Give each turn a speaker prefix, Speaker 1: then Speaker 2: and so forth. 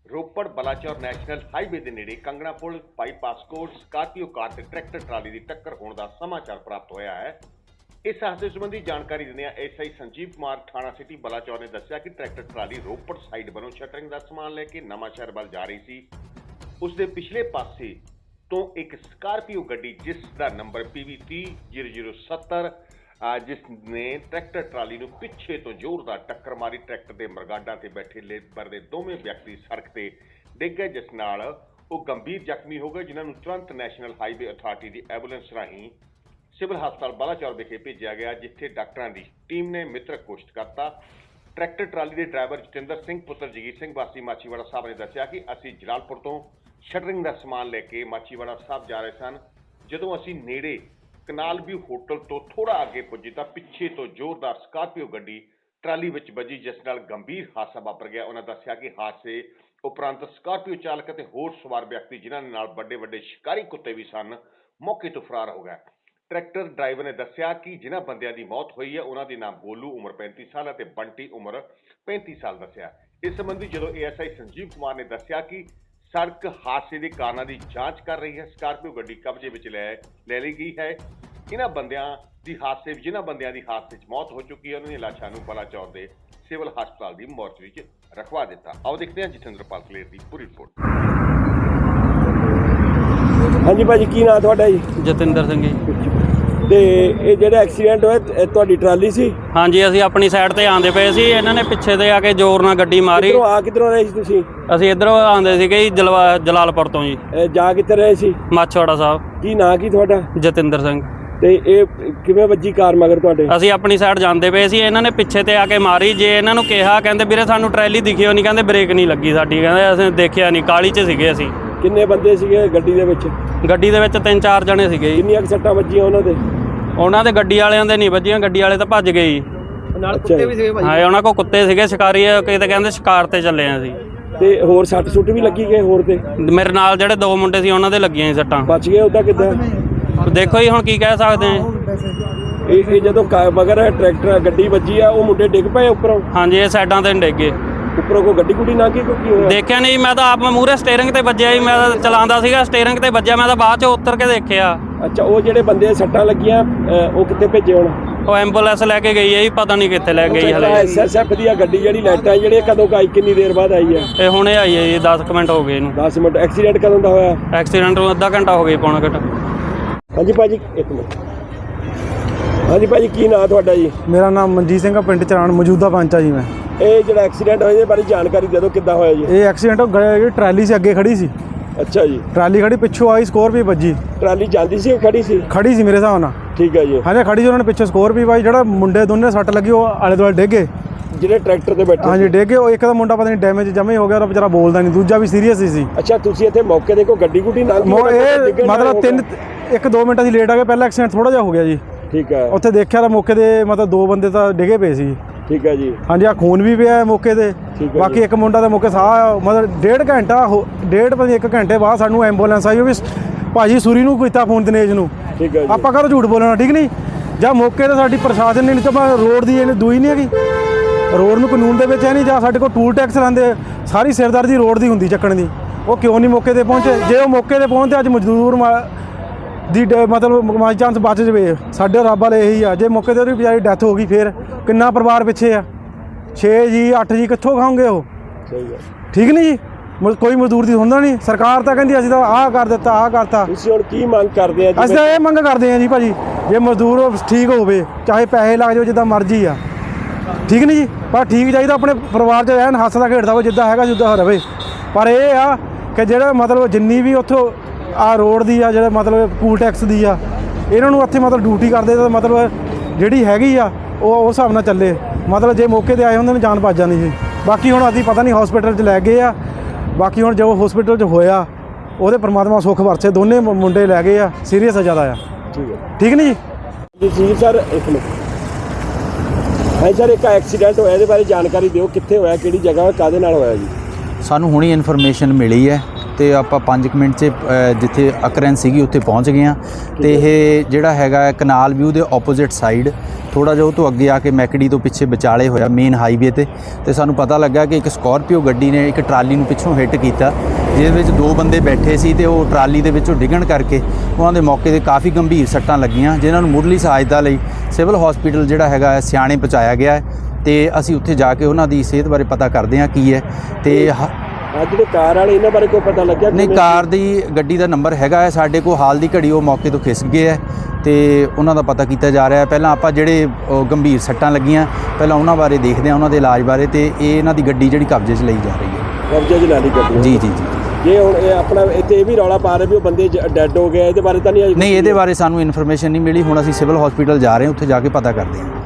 Speaker 1: Ropar Balachaur national highway ਦੇ ਨੇੜੇ ਕੰਗਣਾ ਪੁਲ bypass ਕੋਲ ਸਕਾਰਪੀਓ ਕਾਰ ਤੇ ਟਰੈਕਟਰ ਟਰਾਲੀ ਦੀ ਟੱਕਰ ਹੋਣ ਦਾ ਸਮਾਚਾਰ ਪ੍ਰਾਪਤ ਹੋਇਆ ਹੈ। ਇਸ ਹਾਦਸੇ ਸੰਬੰਧੀ ਜਾਣਕਾਰੀ ਦਿੰਦਿਆਂ ਐਸਆਈ ਸੰਜੀਵ ਕੁਮਾਰ ਥਾਣਾ ਸਿਟੀ ਬਲਾਚੌਰ ਨੇ ਦੱਸਿਆ ਕਿ ਟਰੈਕਟਰ ਟਰਾਲੀ ਰੋਪੜ ਸਾਈਡ ਵੱਲੋਂ ਸ਼ਟਰਿੰਗ ਦਾ ਸਮਾਨ ਲੈ ਕੇ ਨਵਾਂਸ਼ਹਿਰ ਵੱਲ ਜਾ ਰਹੀ ਸੀ। ਉਸ ਦੇ ਪਿਛਲੇ ਪਾਸੇ ਤੋਂ ਇੱਕ ਸਕਾਰਪੀਓ ਗੱਡੀ ਜਿਸ ਦਾ ਨੰਬਰ PV300070 ਜਿਸ ਨੇ ਟਰੈਕਟਰ ਟਰਾਲੀ ਨੂੰ ਪਿੱਛੇ ਤੋਂ ਜ਼ੋਰਦਾਰ ਟੱਕਰ ਮਾਰੀ। ਟਰੈਕਟਰ ਦੇ ਮਰਗਾਡਾਂ ਤੇ ਬੈਠੇ ਲੇਬਰ ਦੇ ਦੋਵੇਂ ਵਿਅਕਤੀ ਸੜਕ ਤੇ ਡਿੱਗ ਗਏ, ਜਿਸ ਨਾਲ ਉਹ ਗੰਭੀਰ ਜ਼ਖਮੀ ਹੋ ਗਏ, ਜਿਨ੍ਹਾਂ ਨੂੰ ਤੁਰੰਤ ਨੈਸ਼ਨਲ ਹਾਈਵੇ ਅਥਾਰਟੀ ਦੀ ਐਂਬੂਲੈਂਸ ਰਾਹੀਂ ਸਿਵਲ ਹਸਪਤਾਲ ਬਲਾਚੌਰ ਵਿਖੇ ਭੇਜਿਆ ਗਿਆ, ਜਿੱਥੇ ਡਾਕਟਰਾਂ ਦੀ ਟੀਮ ਨੇ ਮ੍ਰਿਤਕ ਘੋਸ਼ਿਤ ਕਰਤਾ। ਟਰੈਕਟਰ ਟਰਾਲੀ ਦੇ ਡਰਾਈਵਰ ਜਤਿੰਦਰ ਸਿੰਘ ਪੁੱਤਰ ਜਗੀਰ ਸਿੰਘ ਵਾਸੀ ਮਾਛੀਵਾੜਾ ਸਾਹਿਬ ਨੇ ਦੱਸਿਆ ਕਿ ਅਸੀਂ ਜਲਾਲਪੁਰ ਤੋਂ ਸ਼ਟਰਿੰਗ ਦਾ ਸਮਾਨ ਲੈ ਕੇ ਮਾਛੀਵਾੜਾ ਸਾਹਿਬ ਜਾ ਰਹੇ ਸਨ। ਜਦੋਂ ਅਸੀਂ ਨੇੜੇ ਕਨਾਲ ਵਿਊ ਹੋਟਲ ਤੋਂ ਥੋੜਾ ਅੱਗੇ ਪੁੱਜੇ ਤਾਂ ਪਿੱਛੇ ਤੋਂ ਜ਼ੋਰਦਾਰ ਸਕਾਰਪੀਓ ਗੱਡੀ ਟਰਾਲੀ ਵਿੱਚ ਵੱਜੀ, ਜਿਸ ਨਾਲ ਗੰਭੀਰ ਹਾਦਸਾ ਵਾਪਰ ਗਿਆ। ਉਹਨਾਂ ਦੱਸਿਆ ਕਿ ਹਾਦਸੇ ਉਪਰੰਤ ਸਕਾਰਪੀਓ ਚਾਲਕ ਅਤੇ ਹੋਰ ਸਵਾਰ ਵਿਅਕਤੀ ਜਿਨ੍ਹਾਂ ਦੇ ਨਾਲ ਵੱਡੇ ਸ਼ਿਕਾਰੀ ਕੁੱਤੇ ਵੀ ਸਨ, ਮੌਕੇ ਤੋਂ ਫਰਾਰ ਹੋ ਗਏ। ਟਰੈਕਟਰ ਡਰਾਈਵਰ ਨੇ ਦੱਸਿਆ ਕਿ ਜਿਨ੍ਹਾਂ ਬੰਦਿਆਂ ਦੀ ਮੌਤ ਹੋਈ ਹੈ ਉਹਨਾਂ ਦੇ ਨਾਮ ਗੋਲੂ ਉਮਰ 35 ਸਾਲ ਅਤੇ ਬੰਟੀ ਉਮਰ 35 ਸਾਲ ਦੱਸਿਆ। ਇਸ ਸੰਬੰਧੀ ਜਦੋਂ ਏਐਸਆਈ ਸੰਜੀਵ ਕੁਮਾਰ ਨੇ ਦੱਸਿਆ ਕਿ ਸੜਕ ਹਾਦਸੇ ਦੇ ਕਾਰਨਾਂ ਦੀ ਜਾਂਚ ਕਰ ਰਹੀ ਹੈ, ਸਕਾਰਪੀਓ ਗੱਡੀ ਕਬਜ਼ੇ ਵਿੱਚ ਲੈ ਲਈ ਗਈ ਹੈ। ਜਿਨ੍ਹਾਂ ਬੰਦਿਆਂ ਦੀ ਹਾਦਸੇ 'ਚ ਮੌਤ ਹੋ ਚੁੱਕੀ ਹੈ, ਉਹਨਾਂ ਦੀਆਂ ਲਾਸ਼ਾਂ ਨੂੰ ਬਲਾਚੌਰ ਦੇ ਸਿਵਲ ਹਸਪਤਾਲ ਦੀ ਮੋਰਚਰੀ 'ਚ ਰਖਵਾ ਦਿੱਤਾ। ਆਓ ਦੇਖਦੇ ਹਾਂ ਜਤਿੰਦਰਪਾਲ ਕਲੇਰ ਦੀ ਪੂਰੀ ਰਿਪੋਰਟ।
Speaker 2: ਹਾਂਜੀ ਭਾਜੀ, ਕੀ ਨਾਂ ਤੁਹਾਡਾ ਜੀ?
Speaker 3: ਜਤਿੰਦਰ ਸਿੰਘ ਜੀ।
Speaker 2: ਤੇ ਇਹ ਜਿਹੜਾ ਐਕਸੀਡੈਂਟ ਹੋਇਆ ਇਹ ਤੁਹਾਡੀ ਟਰਾਲੀ ਸੀ?
Speaker 3: ਹਾਂਜੀ, ਅਸੀਂ ਆਪਣੀ ਸਾਈਡ ਤੇ ਆਉਂਦੇ ਪਏ ਸੀ, ਇਹਨਾਂ ਨੇ ਪਿੱਛੇ ਤੇ ਆ ਕੇ ਜ਼ੋਰ ਨਾਲ ਗੱਡੀ ਮਾਰੀ।
Speaker 2: ਕਿੱਧਰੋਂ ਰਹੇ ਸੀ ਤੁਸੀਂ?
Speaker 3: ਅਸੀਂ ਇੱਧਰੋਂ ਆਉਂਦੇ ਸੀਗੇ ਜੀ, ਜਲਾਲਪੁਰ ਤੋਂ ਜੀ।
Speaker 2: ਜਾ ਕਿੱਥੇ ਰਹੇ ਸੀ?
Speaker 3: ਮਾਛੀਵਾੜਾ ਸਾਹਿਬ।
Speaker 2: ਕੀ ਨਾਂ ਕੀ ਤੁਹਾਡਾ?
Speaker 3: ਜਤਿੰਦਰ ਸਿੰਘ।
Speaker 2: ਤੇ ਇਹ ਕਿਵੇਂ ਵੱਜੀ ਕਾਰ ਮਗਰ ਤੁਹਾਡੇ?
Speaker 3: ਅਸੀਂ ਆਪਣੀ ਸਾਈਡ ਜਾਂਦੇ ਪਏ ਸੀ, ਇਹਨਾਂ ਨੇ ਪਿੱਛੇ ਤੇ ਆ ਕੇ ਮਾਰੀ। ਜੇ ਇਹਨਾਂ ਨੂੰ ਕਿਹਾ, ਕਹਿੰਦੇ ਵੀਰੇ ਸਾਨੂੰ ਟਰੈਲੀ ਦਿਖਿਓ ਨਹੀਂ, ਕਹਿੰਦੇ ਬ੍ਰੇਕ ਨਹੀਂ ਲੱਗੀ ਸਾਡੀ, ਕਹਿੰਦੇ ਅਸੀਂ ਦੇਖਿਆ ਨਹੀਂ, ਕਾਲੀ 'ਚ ਸੀਗੇ ਅਸੀਂ।
Speaker 2: ਕਿੰਨੇ ਬੰਦੇ ਸੀਗੇ ਗੱਡੀ ਦੇ ਵਿੱਚ?
Speaker 3: ਗੱਡੀ ਦੇ ਵਿੱਚ 3-4 ਜਣੇ ਸੀਗੇ ਜੀ।
Speaker 2: ਕਿੰਨੀਆਂ ਸੱਟਾਂ ਵੱਜੀਆਂ ਉਹਨਾਂ ਦੇ?
Speaker 3: ਉਹਨਾਂ ਦੇ ਗੱਡੀ ਵਾਲਿਆਂ ਦੇ ਨਹੀਂ ਵੱਜੀਆਂ, ਗੱਡੀ ਵਾਲੇ ਤਾਂ ਭੱਜ ਗਏ ਜੀ।
Speaker 2: ਨਾਲ ਕੁੱਤੇ ਵੀ ਸੀਗੇ ਭਾਈ?
Speaker 3: ਹਾਂ, ਉਹਨਾਂ ਕੋਲ ਕੁੱਤੇ ਸੀਗੇ, ਸ਼ਿਕਾਰੀ, ਕਿਤੇ ਕਹਿੰਦੇ ਸ਼ਿਕਾਰ ਤੇ ਚੱਲੇ ਆ ਅਸੀਂ।
Speaker 2: ਤੇ ਹੋਰ ਸੱਟ ਸੁੱਟ ਵੀ ਲੱਗੀ ਗਏ ਹੋਰ ਤੇ?
Speaker 3: ਮੇਰੇ ਨਾਲ ਜਿਹੜੇ 2 ਮੁੰਡੇ ਸੀ ਉਹਨਾਂ ਦੇ ਲੱਗੀਆਂ ਸੀ ਸੱਟਾਂ।
Speaker 2: ਬਚ ਗਏ ਉਹਦਾ ਕਿੱਦਾਂ?
Speaker 3: ਦੇਖੋ ਜੀ, ਹੁਣ ਕੀ ਕਹਿ ਸਕਦੇ ਆ।
Speaker 2: ਇਹ ਜਦੋਂ ਮਗਰ ਟਰੈਕਟਰ ਗੱਡੀ ਵੱਜੀ ਆ, ਉਹ ਮੁੰਡੇ ਡਿੱਗ ਪਏ ਉੱਪਰੋਂ?
Speaker 3: ਹਾਂਜੀ, ਇਹ ਸਾਈਡਾਂ ਤੇ ਡਿੱਗ ਗਏ।
Speaker 2: ਉੱਪਰੋਂ ਕੋਈ ਗੱਡੀ ਗੁੱਡੀ ਲੰਘ ਗਈ? ਕੀ ਹੋਇਆ?
Speaker 3: ਦੇਖਿਆ ਨਹੀਂ, ਮੈਂ ਤਾਂ ਆਪ ਮੂਹਰੇ ਸਟੀਅਰਿੰਗ ਤੇ ਵੱਜਿਆ ਜੀ, ਮੈਂ ਤਾਂ ਚਲਾਉਂਦਾ ਸੀਗਾ, ਸਟੀਅਰਿੰਗ ਤੇ ਵੱਜਿਆ, ਮੈਂ ਤਾਂ ਬਾਅਦ 'ਚ ਉਤਰ ਕੇ ਦੇਖਿਆ।
Speaker 2: ਅੱਛਾ, ਉਹ ਜਿਹੜੇ ਬੰਦੇ ਸੱਟਾਂ ਲੱਗੀਆਂ ਉਹ ਕਿੱਥੇ ਭੇਜੇ ਹੁਣ?
Speaker 3: ਉਹ ਐਂਬੂਲੈਂਸ ਲੈ ਕੇ ਗਈ ਹੈ ਜੀ, ਪਤਾ ਨਹੀਂ ਕਿੱਥੇ ਲੈ ਗਈ ਹਲੇ।
Speaker 2: ਐਸਐਸਐਫ ਦੀ ਗੱਡੀ ਜਿਹੜੀ ਲਾਈਟਾਂ ਜਿਹੜੀਆਂ ਕਦੋਂ ਆਈ, ਕਿੰਨੀ ਦੇਰ ਬਾਅਦ ਆਈ ਹੈ?
Speaker 3: ਇਹ ਹੁਣੇ ਆਈ ਹੈ ਜੀ, 10 ਮਿੰਟ ਹੋ ਗਏ ਇਹਨੂੰ।
Speaker 2: 10 ਮਿੰਟ? ਐਕਸੀਡੈਂਟ ਕਦੋਂ ਦਾ ਹੋਇਆ?
Speaker 3: ਐਕਸੀਡੈਂਟ ਨੂੰ ਅੱਧਾ ਘੰਟਾ ਹੋ ਗਿਆ, ਪੌਣਾ ਘੰਟਾ।
Speaker 2: ਹਾਂਜੀ ਭਾਜੀ, ਇੱਕ ਮਿੰਟ। ਹਾਂਜੀ ਭਾਜੀ, ਕੀ ਨਾਂ ਤੁਹਾਡਾ ਜੀ?
Speaker 4: ਮੇਰਾ ਨਾਮ ਮਨਜੀਤ ਸਿੰਘ ਆ, ਪਿੰਡ ਚਰਾਣ ਮੌਜੂਦਾ ਪੰਚ ਆ ਜੀ ਮੈਂ।
Speaker 2: ਇਹ ਜਿਹੜਾ ਐਕਸੀਡੈਂਟ ਹੋਇਆ ਇਹਦੇ ਬਾਰੇ ਜਾਣਕਾਰੀ ਦੇ ਦਿਓ, ਕਿੱਦਾਂ ਹੋਇਆ ਜੀ?
Speaker 4: ਇਹ ਐਕਸੀਡੈਂਟ ਜਿਹੜੀ ਟਰਾਲੀ ਸੀ ਅੱਗੇ ਖੜੀ ਸੀ।
Speaker 2: ਅੱਛਾ ਜੀ।
Speaker 4: ਟਰਾਲੀ ਖੜੀ, ਪਿੱਛੋਂ ਆਈ ਸਕੋਰਪੀਓ ਵੱਜੀ।
Speaker 2: ਟਰਾਲੀ ਜਾਂਦੀ ਸੀ ਖੜੀ ਸੀ?
Speaker 4: ਖੜੀ ਸੀ ਮੇਰੇ ਹਿਸਾਬ ਨਾਲ।
Speaker 2: ਠੀਕ ਹੈ ਜੀ।
Speaker 4: ਹਾਂਜੀ, ਖੜੀ ਸੀ, ਉਹਨਾਂ ਨੇ ਪਿੱਛੋਂ ਸਕੋਰਪੀਓ ਵਾਈ, ਜਿਹੜਾ ਮੁੰਡੇ ਦੋਨੇ ਸੱਟ ਲੱਗੀ ਉਹ ਆਲੇ ਦੁਆਲੇ ਡਿੱਗੇ,
Speaker 2: ਜਿਹੜੇ ਟਰੈਕਟਰ ਤੇ ਬੈਠੇ?
Speaker 4: ਹਾਂਜੀ ਡਿੱਗੇ। ਉਹ ਇੱਕ ਦਾ ਮੁੰਡਾ ਪਤਾ ਨਹੀਂ ਡੈਮੇਜ ਜਮੇ ਹੋ ਗਿਆ, ਉਹ ਵਿਚਾਰਾ ਬੋਲਦਾ ਨਹੀਂ, ਦੂਜਾ ਵੀ ਸੀਰੀਅਸ ਹੀ ਸੀ।
Speaker 2: ਅੱਛਾ, ਤੁਸੀਂ ਇੱਥੇ ਮੌਕੇ ਦੇ ਕੋਈ ਗੱਡੀ ਗੁੱਡੀ ਨਾਲ?
Speaker 4: ਇਹ ਮਤਲਬ 1-2 ਮਿੰਟ ਅਸੀਂ ਲੇਟ ਆ ਗਏ, ਪਹਿਲਾਂ ਐਕਸੀਡੈਂਟ ਥੋੜਾ ਜਿਹਾ ਹੋ ਗਿਆ ਜੀ।
Speaker 2: ਠੀਕ ਹੈ।
Speaker 4: ਉੱਥੇ ਦੇਖਿਆ ਤਾਂ ਮੌਕੇ ਦੇ ਮਤਲਬ 2 ਬੰਦੇ ਤਾਂ ਡਿੱਗੇ ਪਏ ਸੀ।
Speaker 2: ਠੀਕ ਹੈ ਜੀ।
Speaker 4: ਹਾਂਜੀ, ਆ ਖੂਨ ਵੀ ਪਿਆ ਮੌਕੇ ਤੇ। ਬਾਕੀ ਇੱਕ ਮੁੰਡਾ ਦਾ ਮੌਕੇ ਸਾਹ ਮਤਲਬ 1.5 ਘੰਟੇ ਬਾਅਦ ਸਾਨੂੰ ਐਂਬੂਲੈਂਸ ਆਈ। ਉਹ ਵੀ ਭਾਜੀ ਸੂਰੀ ਨੂੰ ਕੀਤਾ ਫੋਨ ਦਿਨੇਸ਼ ਨੂੰ।
Speaker 2: ਠੀਕ ਹੈ।
Speaker 4: ਆਪਾਂ ਘਰੋਂ ਝੂਠ ਬੋਲਣਾ ਠੀਕ ਨਹੀਂ। ਜਾਂ ਮੌਕੇ ਤੇ ਸਾਡੀ ਪ੍ਰਸ਼ਾਸਨ ਨੇ, ਨਹੀਂ ਤਾਂ ਰੋਡ ਦੀ ਇਹਨੇ ਦੂਈ ਨਹੀਂ ਹੈਗੀ, ਰੋਡ ਨੂੰ ਕਾਨੂੰਨ ਦੇ ਵਿੱਚ ਹੈ ਨਹੀਂ। ਜਾਂ ਸਾਡੇ ਕੋਲ ਟੂਲ ਟੈਕਸ ਲਾਉਂਦੇ, ਸਾਰੀ ਸਿਰਦਰਦੀ ਰੋਡ ਦੀ ਹੁੰਦੀ ਚੱਕਣ ਦੀ, ਉਹ ਕਿਉਂ ਨਹੀਂ ਮੌਕੇ ਤੇ ਪਹੁੰਚੇ? ਜੇ ਉਹ ਮੌਕੇ ਤੇ ਪਹੁੰਚਦੇ ਅੱਜ ਮਜ਼ਦੂਰ ਦੀ ਮਤਲਬ ਬਾਈ ਚਾਂਸ ਬਚ ਜਾਵੇ, ਸਾਡੇ ਰੱਬ ਵਾਲੇ ਇਹੀ ਆ। ਜੇ ਮੌਕੇ ਤੇ ਉਹਦੀ ਵਿਚਾਰੀ ਡੈਥ ਹੋ ਗਈ, ਫਿਰ ਕਿੰਨਾ ਪਰਿਵਾਰ ਪਿੱਛੇ ਆ? 6 ਜੀ 8 ਜੀ ਕਿੱਥੋਂ ਖਾਓਗੇ ਉਹ?
Speaker 2: ਸਹੀ ਹੈ।
Speaker 4: ਠੀਕ ਨਹੀਂ ਜੀ, ਕੋਈ ਮਜ਼ਦੂਰ ਦੀ ਹੁੰਦਾ ਨਹੀਂ। ਸਰਕਾਰ ਤਾਂ ਕਹਿੰਦੀ ਅਸੀਂ ਤਾਂ ਆਹ ਕਰ ਦਿੱਤਾ, ਆਹ ਕਰਤਾ।
Speaker 2: ਤੁਸੀਂ ਹੁਣ ਕੀ ਮੰਗ ਕਰਦੇ ਆ?
Speaker 4: ਅਸੀਂ ਤਾਂ ਇਹ ਮੰਗ ਕਰਦੇ ਆ ਜੀ ਭਾਜੀ, ਜੇ ਮਜ਼ਦੂਰ ਠੀਕ ਹੋਵੇ, ਚਾਹੇ ਪੈਸੇ ਲੱਗ ਜਾਓ, ਜਿੱਦਾਂ ਮਰਜ਼ੀ ਆ, ਠੀਕ ਨਹੀਂ ਜੀ, ਪਰ ਠੀਕ ਚਾਹੀਦਾ, ਆਪਣੇ ਪਰਿਵਾਰ 'ਚ ਐਨ ਹੱਸਦਾ ਖੇਡਦਾ ਹੋਵੇ, ਜਿੱਦਾਂ ਹੈਗਾ ਜਿੱਦਾਂ ਰਵੇ। ਪਰ ਇਹ ਆ ਕਿ ਜਿਹੜਾ ਮਤਲਬ ਜਿੰਨੀ ਵੀ ਉੱਥੋਂ ਆ ਰੋਡ ਦੀ ਆ, ਜਿਹੜਾ ਮਤਲਬ ਟੂਲ ਟੈਕਸ ਦੀ ਆ, ਇਹਨਾਂ ਨੂੰ ਇੱਥੇ ਮਤਲਬ ਡਿਊਟੀ ਕਰਦੇ ਤਾਂ ਮਤਲਬ ਜਿਹੜੀ ਹੈਗੀ ਆ ਉਹ ਉਸ ਹਿਸਾਬ ਨਾਲ ਚੱਲੇ। ਮਤਲਬ ਜੇ ਮੌਕੇ 'ਤੇ ਆਏ ਹੁੰਦੇ ਨੇ ਜਾਨ ਭੱਜ ਜਾਣੀ ਸੀ। ਬਾਕੀ ਹੁਣ ਅਸੀਂ ਪਤਾ ਨਹੀਂ ਹਸਪੀਟਲ 'ਚ ਲੈ ਗਏ ਆ। ਬਾਕੀ ਹੁਣ ਜੋ ਹਸਪੀਟਲ 'ਚ ਹੋਇਆ ਉਹਦੇ ਪਰਮਾਤਮਾ ਸੁੱਖ ਵਰਸੇ, ਦੋਨੇ ਮੁੰਡੇ ਲੈ ਗਏ ਆ, ਸੀਰੀਅਸ ਜ਼ਿਆਦਾ ਆ।
Speaker 2: ਠੀਕ ਹੈ।
Speaker 4: ਠੀਕ ਨਹੀਂ ਜੀ?
Speaker 2: ਜੀ ਸਰ, ਇੱਕ ਮਿੰਟ। ਹਾਂ ਸਰ, ਇੱਕ ਐਕਸੀਡੈਂਟ ਹੋਇਆ, ਇਹਦੇ ਬਾਰੇ ਜਾਣਕਾਰੀ ਦਿਓ, ਕਿੱਥੇ ਹੋਇਆ, ਕਿਹੜੀ ਜਗ੍ਹਾ, ਕਾਹਦੇ ਨਾਲ ਹੋਇਆ ਜੀ?
Speaker 5: ਸਾਨੂੰ ਹੁਣੀ ਇਨਫੋਰਮੇਸ਼ਨ ਮਿਲੀ ਹੈ ਤੇ ਆਪਾਂ 5 ਮਿੰਟ 'ਚ ਜਿੱਥੇ ਅਕਰੈਂਸ ਸੀਗੀ ਉੱਥੇ ਪਹੁੰਚ ਗਏ ਹਾਂ। ਤੇ ਇਹ ਜਿਹੜਾ ਹੈਗਾ ਕਨਾਲ ਵਿਊ ਦੇ ਆਪੋਜ਼ਿਟ ਸਾਈਡ ਥੋੜ੍ਹਾ ਜਿਹਾ ਉਹ ਤੋਂ ਅੱਗੇ ਆ ਕੇ ਮੈਕੜੀ ਤੋਂ ਪਿੱਛੇ ਵਿਚਾਲੇ ਹੋਇਆ ਮੇਨ ਹਾਈਵੇ ਤੇ ਸਾਨੂੰ ਪਤਾ ਲੱਗਾ ਕਿ ਇੱਕ ਸਕਾਰਪੀਓ ਗੱਡੀ ਨੇ ਇੱਕ ਟਰਾਲੀ ਨੂੰ ਪਿੱਛੋਂ ਹਿੱਟ ਕੀਤਾ, ਜਿਹਦੇ ਵਿੱਚ 2 ਬੰਦੇ ਬੈਠੇ ਸੀ ਤੇ ਉਹ ਟਰਾਲੀ ਦੇ ਵਿੱਚੋਂ ਡਿੱਗਣ ਕਰਕੇ ਉਹਨਾਂ ਦੇ ਮੌਕੇ 'ਤੇ ਕਾਫੀ ਗੰਭੀਰ ਸੱਟਾਂ ਲੱਗੀਆਂ, ਜਿਨ੍ਹਾਂ ਨੂੰ ਮੁੱਢਲੀ ਸਹਾਇਤਾ ਲਈ ਸਿਵਲ ਹਸਪੀਟਲ ਜਿਹੜਾ ਹੈਗਾ ਸਿਆਣੇ ਪਹੁੰਚਾਇਆ ਗਿਆ ਹੈ। ਤੇ ਅਸੀਂ ਉੱਥੇ ਜਾ ਕੇ ਉਹਨਾਂ ਦੀ ਸਿਹਤ ਬਾਰੇ ਪਤਾ ਕਰਦੇ ਹਾਂ ਕੀ ਹੈ। ਤੇ
Speaker 2: ਅੱਜ ਜਿਹੜੇ ਕਾਰ ਵਾਲੇ ਇਹਨਾਂ ਬਾਰੇ ਕੋਈ ਪਤਾ ਲੱਗਿਆ?
Speaker 5: ਨਹੀਂ, ਕਾਰ ਦੀ ਗੱਡੀ ਦਾ ਨੰਬਰ ਹੈਗਾ ਹੈ ਸਾਡੇ ਕੋਲ, ਹਾਲ ਦੀ ਘੜੀ ਉਹ ਮੌਕੇ ਤੋਂ ਖਿਸਕ ਗਏ ਹੈ ਤੇ ਉਹਨਾਂ ਦਾ ਪਤਾ ਕੀਤਾ ਜਾ ਰਿਹਾ ਹੈ। ਪਹਿਲਾਂ ਆਪਾਂ ਜਿਹੜੇ ਗੰਭੀਰ ਸੱਟਾਂ ਲੱਗੀਆਂ ਪਹਿਲਾਂ ਉਹਨਾਂ ਬਾਰੇ ਦੇਖਦੇ ਹਾਂ, ਉਹਨਾਂ ਦੇ ਇਲਾਜ ਬਾਰੇ। ਤੇ ਇਹਨਾਂ ਦੀ ਗੱਡੀ ਜਿਹੜੀ ਕਬਜ਼ੇ 'ਚ ਲਈ ਜਾ ਰਹੀ ਹੈ।
Speaker 2: ਕਬਜ਼ੇ 'ਚ ਲੈ ਲਈ ਗੱਡੀ? ਜੀ ਜੀ ਜੀ। ਜੇ ਹੁਣ ਇਹ ਆਪਣਾ ਇੱਥੇ ਇਹ ਵੀ ਰੌਲਾ ਪਾ ਰਹੇ ਵੀ ਉਹ ਬੰਦੇ ਡੈੱਡ ਹੋ ਗਏ, ਇਹਦੇ ਬਾਰੇ ਤਾਂ ਨਹੀਂ?
Speaker 5: ਨਹੀਂ, ਇਹਦੇ ਬਾਰੇ ਸਾਨੂੰ ਇਨਫੋਰਮੇਸ਼ਨ ਨਹੀਂ ਮਿਲੀ। ਹੁਣ ਅਸੀਂ ਸਿਵਲ ਹਸਪੀਟਲ ਜਾ ਰਹੇ ਹਾਂ, ਉੱਥੇ ਜਾ ਕੇ ਪਤਾ ਕਰਦੇ ਹਾਂ।